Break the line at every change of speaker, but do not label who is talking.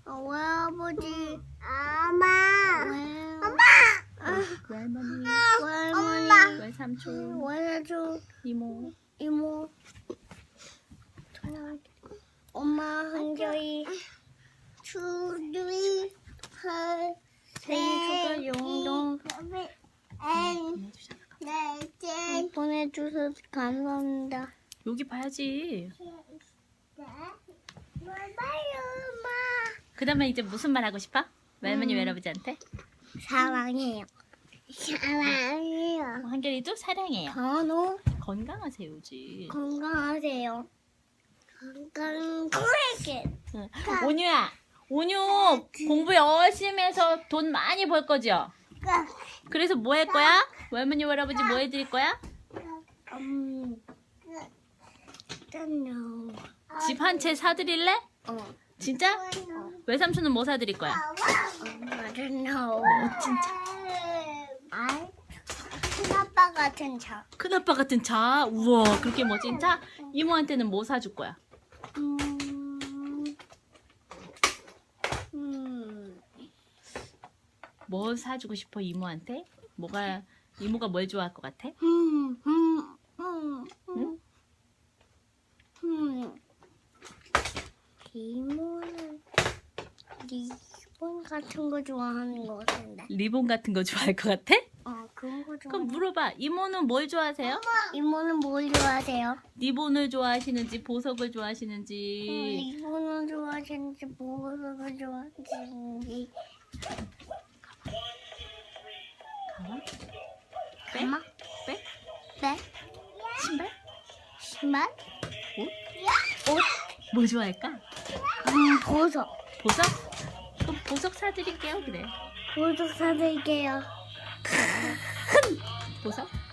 외아버지, 엄마,
외할머니,
외할머니,
외삼촌,
외사촌,
이모,
이모, 엄마 한결이, 주주이, 생일 축하 용돈 보내주셔서 감사합니다.
여기 봐야지. 그 다음에 이제 무슨 말 하고 싶어? 외할머니 외할아버지한테?
사랑해요. 사랑해요.
한결이도 사랑해요.
건우
건강하세요지.
건강하세요. 건강하게.
응. 온유야, 온유 공부 열심히 해서 돈 많이 벌 거죠? 그래서 뭐 할 거야? 외할머니 외할아버지 뭐 해드릴 거야? 집 한 채 사드릴래? 진짜? 외삼촌은 뭐 사드릴 거야?
I don't know.
진짜?
큰아빠 같은 차.
큰아빠 같은 차? 우와, 그렇게 멋진 차? 이모한테는 뭐 사줄 거야? 뭐 사주고 싶어 이모한테? 이모가 뭘 좋아할 것 같아?
이모는 리본 같은 거 좋아하는 거 같은데.
리본 같은 거 좋아할 것 같아?
그런 거 좋아.
그럼 물어봐. 이모는 뭘 좋아하세요?
이모는 뭘 좋아하세요?
리본을 좋아하시는지 보석을 좋아하시는지.
리본을 좋아하시는지 보석을 좋아하시는지.
가마?
가마?
백?
네?
신발?
신발?
옷? 뭐 좋아할까?
보석.
보석? 그럼 보석 사드릴게요. 그래.
보석 사드릴게요.
보석?